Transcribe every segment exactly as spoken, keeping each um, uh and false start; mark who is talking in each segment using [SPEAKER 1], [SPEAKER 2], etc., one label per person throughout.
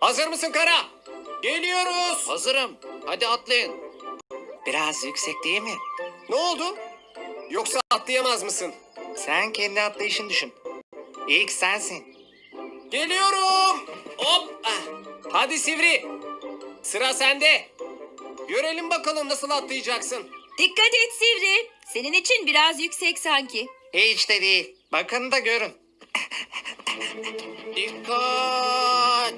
[SPEAKER 1] Hazır mısın Kara? Geliyoruz.
[SPEAKER 2] Hazırım. Hadi atlayın.
[SPEAKER 3] Biraz yüksek değil mi?
[SPEAKER 1] Ne oldu? Yoksa atlayamaz mısın?
[SPEAKER 3] Sen kendi atlayışını düşün. İlk sensin.
[SPEAKER 1] Geliyorum. Hop. Ah. Hadi Sivri. Sıra sende. Görelim bakalım nasıl atlayacaksın.
[SPEAKER 4] Dikkat et Sivri. Senin için biraz yüksek sanki.
[SPEAKER 3] Hiç de değil. Bakın da görün.
[SPEAKER 2] Dikkat.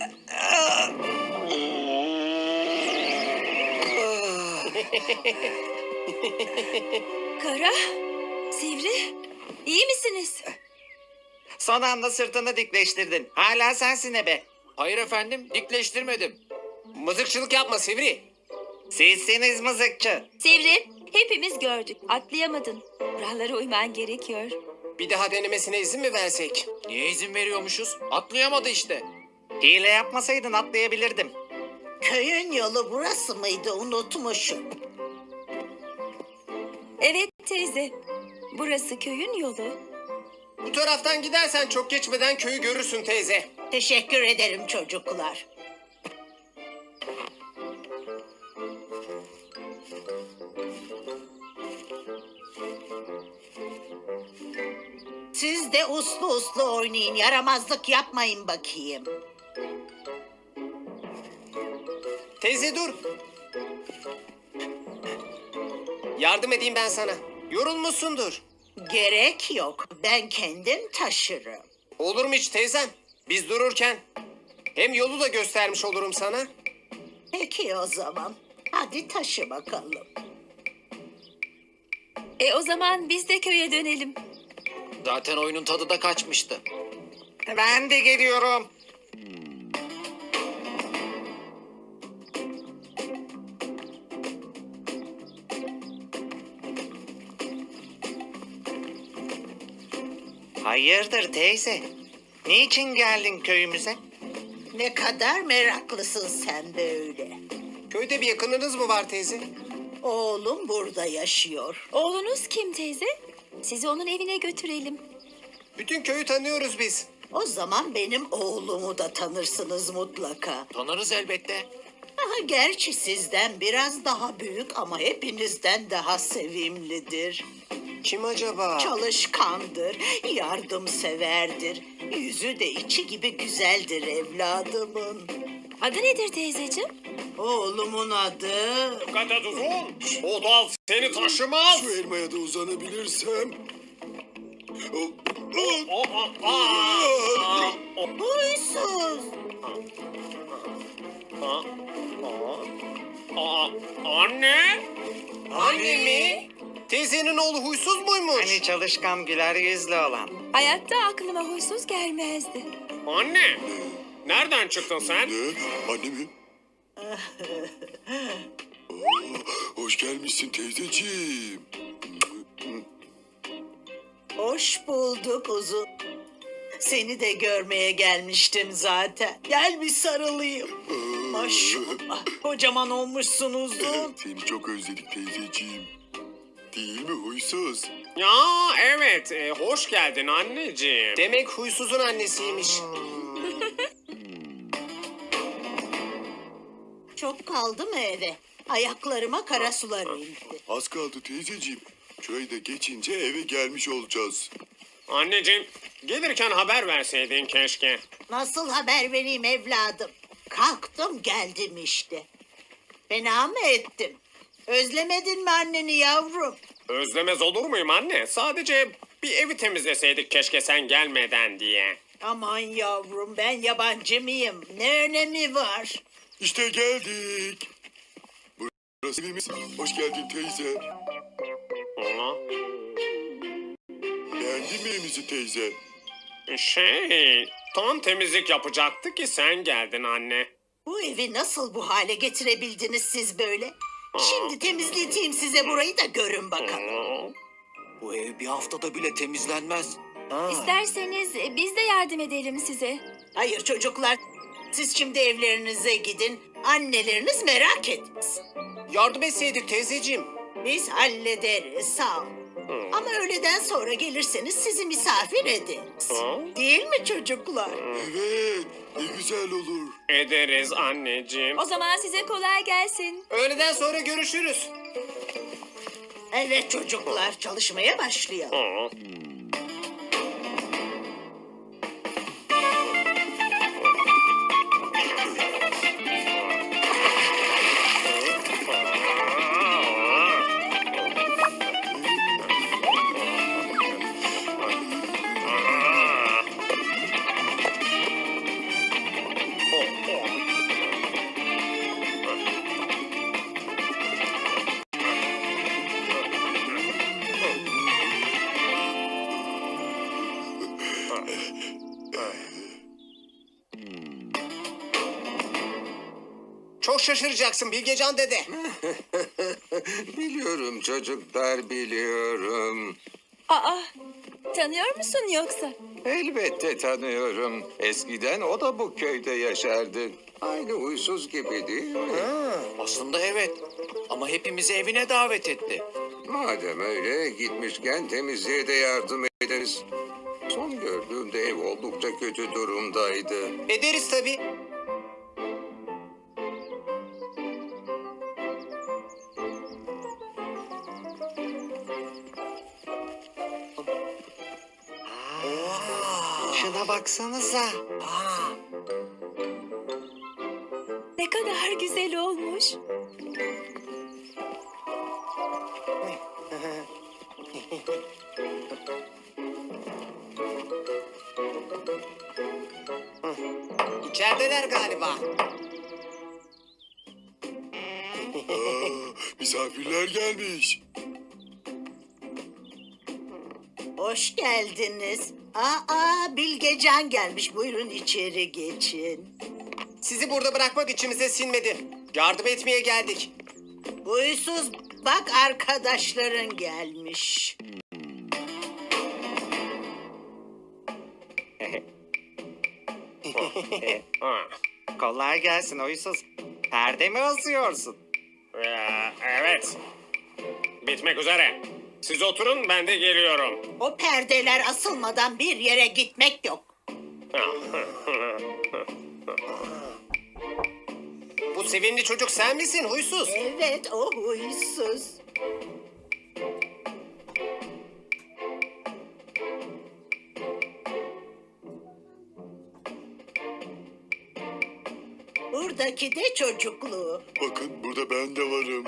[SPEAKER 4] Kara, Sivri, iyi misiniz?
[SPEAKER 3] Son anda sırtını dikleştirdin. Hala sensin ebe.
[SPEAKER 2] Hayır efendim, dikleştirmedim.
[SPEAKER 1] Mızıkçılık yapma Sivri.
[SPEAKER 3] Sizsiniz mızıkçı.
[SPEAKER 4] Sivri, hepimiz gördük. Atlayamadın. Kurallara uyman gerekiyor.
[SPEAKER 1] Bir daha denemesine izin mi versek?
[SPEAKER 2] Niye izin veriyormuşuz? Atlayamadı işte.
[SPEAKER 3] Hile yapmasaydın atlayabilirdim.
[SPEAKER 5] Köyün yolu burası mıydı, unutmuşum.
[SPEAKER 4] Evet teyze, burası köyün yolu.
[SPEAKER 1] Bu taraftan gidersen çok geçmeden köyü görürsün teyze.
[SPEAKER 5] Teşekkür ederim çocuklar. Siz de uslu uslu oynayın, yaramazlık yapmayın bakayım.
[SPEAKER 1] Teyze dur. Yardım edeyim ben sana. Yorulmuşsundur.
[SPEAKER 5] Gerek yok, ben kendim taşırım.
[SPEAKER 1] Olur mu hiç teyzem? Biz dururken. Hem yolu da göstermiş olurum sana.
[SPEAKER 5] Peki o zaman, hadi taşı bakalım.
[SPEAKER 4] E o zaman biz de köye dönelim.
[SPEAKER 2] Zaten oyunun tadı da kaçmıştı.
[SPEAKER 3] Ben de geliyorum. Hayırdır teyze? Niçin geldin köyümüze?
[SPEAKER 5] Ne kadar meraklısın sen böyle.
[SPEAKER 1] Köyde bir yakınınız mı var teyze?
[SPEAKER 5] Oğlum burada yaşıyor.
[SPEAKER 4] Oğlunuz kim teyze? Sizi onun evine götürelim.
[SPEAKER 1] Bütün köyü tanıyoruz biz.
[SPEAKER 5] O zaman benim oğlumu da tanırsınız mutlaka.
[SPEAKER 2] Tanırız elbette.
[SPEAKER 5] Aha, gerçi sizden biraz daha büyük ama hepinizden daha sevimlidir.
[SPEAKER 1] Kim acaba?
[SPEAKER 5] Çalışkandır, yardımseverdir. Yüzü de içi gibi güzeldir evladımın.
[SPEAKER 4] Adı nedir teyzeciğim?
[SPEAKER 5] Oğlumun adı...
[SPEAKER 1] Dikkat et uzun. O dal seni taşımaz.
[SPEAKER 6] Şu elmaya da uzanabilirsem.
[SPEAKER 1] O, o, aa, o,
[SPEAKER 5] Huysuz.
[SPEAKER 1] aa, aa, anne? Anne mi? Teyzenin oğlu huysuz muymuş?
[SPEAKER 3] Hani çalışkan güler yüzlü olan.
[SPEAKER 4] Hayatta aklıma huysuz gelmezdi.
[SPEAKER 1] Anne. Nereden çıktın sen?
[SPEAKER 6] Ne? Anne mi? Oo, hoş gelmişsin teyzeciğim.
[SPEAKER 5] Hoş bulduk uzun. Seni de görmeye gelmiştim zaten. Gel bir sarılayım. Maşallah, kocaman olmuşsun uzun.
[SPEAKER 6] Seni çok özledik teyzeciğim. Değil mi huysuz?
[SPEAKER 1] Ya evet. e, hoş geldin anneciğim. Demek huysuzun annesiymiş.
[SPEAKER 5] Çok kaldı mı eve? Ayaklarıma kara sular indi.
[SPEAKER 6] Az kaldı teyzeciğim. Köyde geçince eve gelmiş olacağız.
[SPEAKER 1] Anneciğim, gelirken haber verseydin keşke.
[SPEAKER 5] Nasıl haber vereyim evladım? Kalktım geldim işte. Fena mı ettim? Özlemedin mi anneni yavrum?
[SPEAKER 1] Özlemez olur muyum anne? Sadece bir evi temizleseydik keşke sen gelmeden diye.
[SPEAKER 5] Aman yavrum, ben yabancı mıyım? Ne önemi var?
[SPEAKER 6] İşte geldik. Burası evimiz. Hoş geldin teyze.
[SPEAKER 1] Aa,
[SPEAKER 6] Beğendin mi evimizi teyze?
[SPEAKER 1] Şey, tam temizlik yapacaktı ki sen geldin anne.
[SPEAKER 5] Bu evi nasıl bu hale getirebildiniz siz böyle? Şimdi temizleteyim size burayı da görün bakalım.
[SPEAKER 1] Aa,
[SPEAKER 2] Bu ev bir haftada bile temizlenmez.
[SPEAKER 4] İsterseniz e, biz de yardım edelim size.
[SPEAKER 5] Hayır çocuklar, siz şimdi evlerinize gidin. Anneleriniz merak etmesin.
[SPEAKER 1] Yardım etseydik teyzeciğim.
[SPEAKER 5] Biz hallederiz, sağ ol. Ama öğleden sonra gelirseniz sizi misafir ederiz.
[SPEAKER 1] Hı?
[SPEAKER 5] Değil mi çocuklar?
[SPEAKER 6] Evet, ne güzel olur.
[SPEAKER 1] Ederiz anneciğim.
[SPEAKER 4] O zaman size kolay gelsin.
[SPEAKER 2] Öğleden sonra görüşürüz.
[SPEAKER 5] Evet çocuklar, çalışmaya başlayalım.
[SPEAKER 1] Hı.
[SPEAKER 2] Çok şaşıracaksın Bilgecan dede.
[SPEAKER 7] Biliyorum çocuklar, biliyorum.
[SPEAKER 4] Aa, tanıyor musun yoksa?
[SPEAKER 7] Elbette tanıyorum. Eskiden o da bu köyde yaşardı. Aynı huysuz gibi değil mi?
[SPEAKER 2] Aslında evet. Ama hepimizi evine davet etti.
[SPEAKER 7] Madem öyle, gitmişken temizliğe de yardım ederiz. Son gördüğümde ev oldukça kötü durumdaydı.
[SPEAKER 2] Ederiz tabii.
[SPEAKER 3] Şuna baksanıza.
[SPEAKER 4] Ne kadar güzel olmuş.
[SPEAKER 2] İçerideler galiba.
[SPEAKER 6] Aa, misafirler gelmiş.
[SPEAKER 5] Hoş geldiniz. Aa, Bilgecan gelmiş. Buyurun içeri geçin.
[SPEAKER 2] Sizi burada bırakmak içimize sinmedi. Yardım etmeye geldik.
[SPEAKER 5] Huysuz, bak arkadaşların gelmiş.
[SPEAKER 1] Ha.
[SPEAKER 3] Kolay gelsin huysuz. Perde mi asıyorsun?
[SPEAKER 1] Ee, evet. Bitmek üzere. Siz oturun, ben de geliyorum.
[SPEAKER 5] O perdeler asılmadan bir yere gitmek yok.
[SPEAKER 2] Bu sevimli çocuk sen misin huysuz?
[SPEAKER 5] Evet, o huysuz. Buradaki de çocukluğu.
[SPEAKER 6] Bakın burada ben de varım.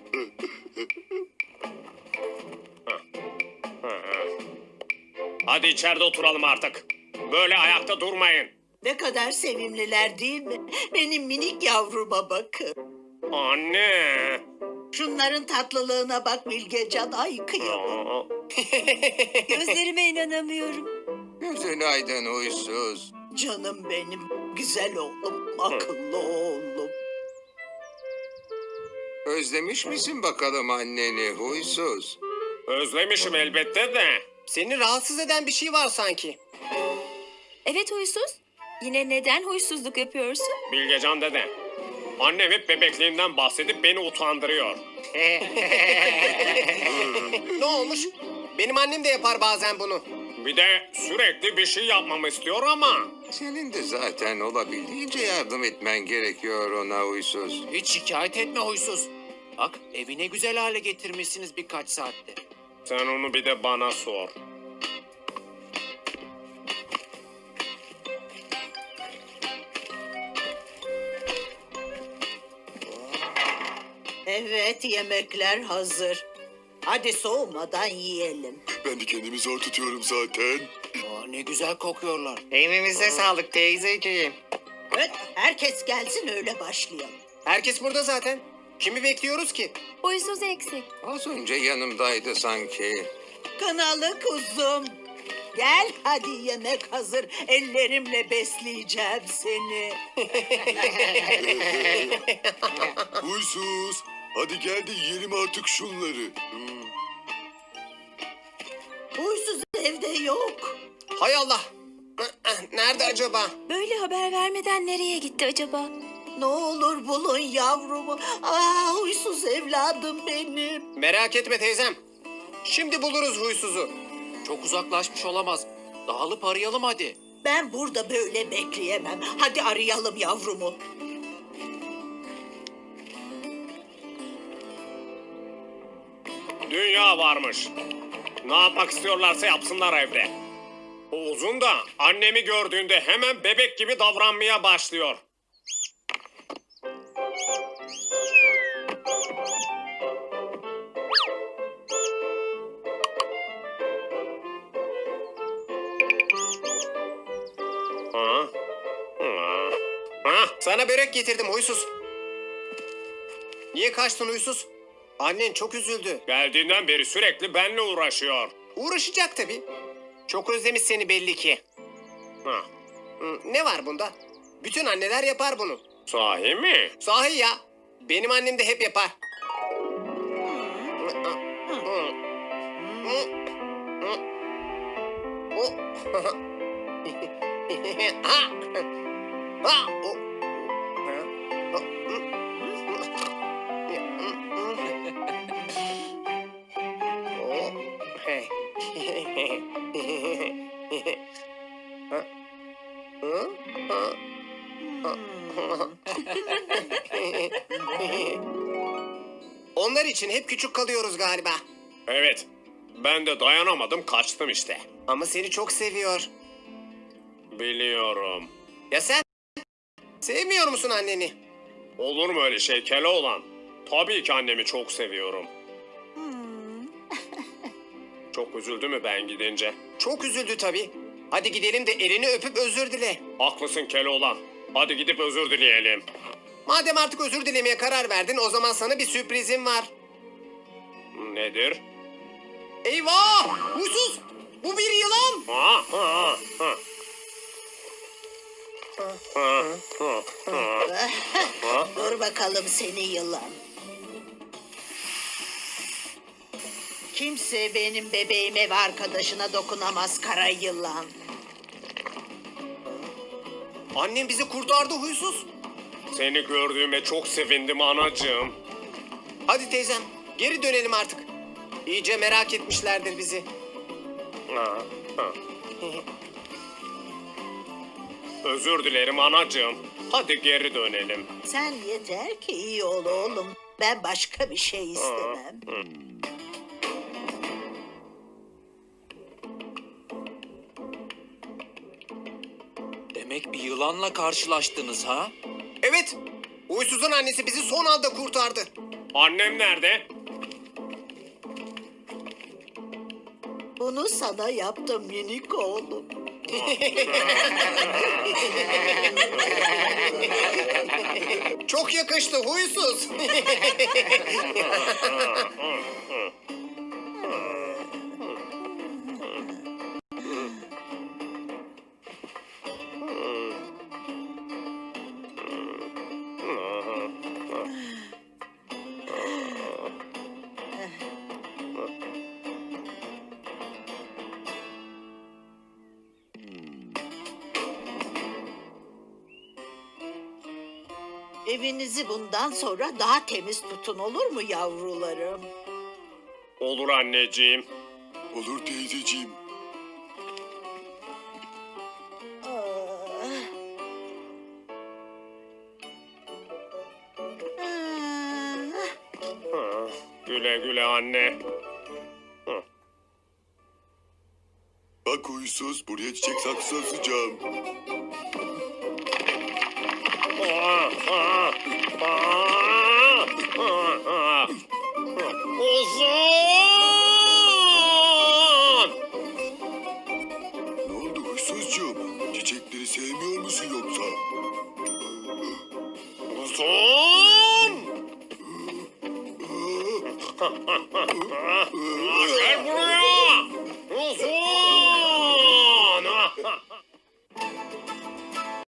[SPEAKER 1] Hadi içeride oturalım artık. Böyle ayakta durmayın.
[SPEAKER 5] Ne kadar sevimliler değil mi? Benim minik yavruma bakın.
[SPEAKER 1] Anne.
[SPEAKER 5] Şunların tatlılığına bak Bilgecan. Ay kıyamam.
[SPEAKER 1] Aa,
[SPEAKER 4] Gözlerime inanamıyorum.
[SPEAKER 7] Gözün aydın huysuz.
[SPEAKER 5] Canım benim. Güzel oğlum. Akıllı oğlum.
[SPEAKER 7] Özlemiş misin bakalım anneni huysuz?
[SPEAKER 1] Özlemişim elbette de.
[SPEAKER 2] Seni rahatsız eden bir şey var sanki.
[SPEAKER 4] Evet huysuz. Yine neden huysuzluk yapıyorsun?
[SPEAKER 1] Bilgecan dede. Annem hep bebekliğimden bahsedip beni utandırıyor.
[SPEAKER 2] Ne olmuş? Benim annem de yapar bazen bunu.
[SPEAKER 1] Bir de sürekli bir şey yapmamı istiyor ama.
[SPEAKER 7] Senin de zaten olabildiğince yardım etmen gerekiyor ona huysuz.
[SPEAKER 2] Hiç şikayet etme huysuz. Bak evine güzel hale getirmişsiniz birkaç saatte.
[SPEAKER 1] Sen onu bir de bana sor.
[SPEAKER 5] Evet, yemekler hazır. Hadi soğumadan yiyelim.
[SPEAKER 6] Ben de kendimi zor tutuyorum zaten.
[SPEAKER 2] Aa, ne güzel kokuyorlar.
[SPEAKER 3] Evimize sağlık teyzeciğim.
[SPEAKER 5] Evet, herkes gelsin öyle başlayalım.
[SPEAKER 2] Herkes burada zaten. Kimi bekliyoruz ki?
[SPEAKER 4] Huysuz eksik.
[SPEAKER 7] Az önce yanımdaydı sanki.
[SPEAKER 5] Kınalı kuzum. Gel hadi yemek hazır. Ellerimle besleyeceğim seni.
[SPEAKER 6] Huysuz. Hadi gel de yiyelim artık şunları. Hmm.
[SPEAKER 5] Huysuz evde yok.
[SPEAKER 2] Hay Allah. Nerede acaba?
[SPEAKER 4] Böyle haber vermeden nereye gitti acaba?
[SPEAKER 5] Ne olur bulun yavrumu. Aa, huysuz evladım benim.
[SPEAKER 2] Merak etme teyzem.
[SPEAKER 1] Şimdi buluruz huysuzu.
[SPEAKER 2] Çok uzaklaşmış olamaz. Dağılıp arayalım hadi.
[SPEAKER 5] Ben burada böyle bekleyemem. Hadi arayalım yavrumu.
[SPEAKER 1] Dünya varmış. Ne yapmak istiyorlarsa yapsınlar evde. O uzun da annemi gördüğünde hemen bebek gibi davranmaya başlıyor. Ha? Ha? Ha? Sana börek getirdim huysuz. Niye kaçtın huysuz? Annen çok üzüldü. Geldiğinden beri sürekli benimle uğraşıyor. Uğraşacak tabii. Çok özlemiş seni belli ki. Ha. Hı, ne var bunda? Bütün anneler yapar bunu. Sahi mi? Sahi ya. Benim annem de hep yapar. Ha! Ha! O- O- Hey. Ha? Hı? Ha? Onlar için hep küçük kalıyoruz galiba. Evet. Ben de dayanamadım kaçtım işte. Ama seni çok seviyor. Biliyorum. Ya sen? Sevmiyor musun anneni? Olur mu öyle şey Keloğlan? Tabii ki annemi çok seviyorum. Çok üzüldü mü ben gidince? Çok üzüldü tabii. Hadi gidelim de elini öpüp özür dile. Haklısın Keloğlan. Hadi gidip özür dileyelim. Madem artık özür dilemeye karar verdin o zaman sana bir sürprizim var. Nedir? Eyvah! Huysuz! Bu bir yılan! Ha, ha, ha. Ha, ha, ha.
[SPEAKER 5] Dur bakalım seni yılan. Kimse benim bebeğime ve arkadaşına dokunamaz kara yılan.
[SPEAKER 1] Annem bizi kurtardı huysuz. Seni gördüğüme çok sevindim anacığım. Hadi teyzem geri dönelim artık. İyice merak etmişlerdir bizi. Ha, ha. Özür dilerim anacığım. Hadi geri dönelim.
[SPEAKER 5] Sen yeter ki iyi ol oğlum. Ben başka bir şey istemem.
[SPEAKER 2] Demek bir yılanla karşılaştınız ha?
[SPEAKER 1] Evet. Huysuzun annesi bizi son anda kurtardı. Annem nerede?
[SPEAKER 5] Bunu sana yaptım minik oğlum.
[SPEAKER 1] Çok yakıştı huysuz.
[SPEAKER 5] Evinizi bundan sonra daha temiz tutun olur mu yavrularım?
[SPEAKER 1] Olur anneciğim.
[SPEAKER 6] Olur teyzeciğim.
[SPEAKER 1] Ha, güle güle anne.
[SPEAKER 6] Bak huysuz, buraya çiçek saksısı asacağım.
[SPEAKER 1] Aa, aa, aa, aa, aa. Uzun!
[SPEAKER 6] Ne oldu huysuzcuğum? Çiçekleri sevmiyor musun yoksa?
[SPEAKER 1] Uzun! Gel buraya! Uzun!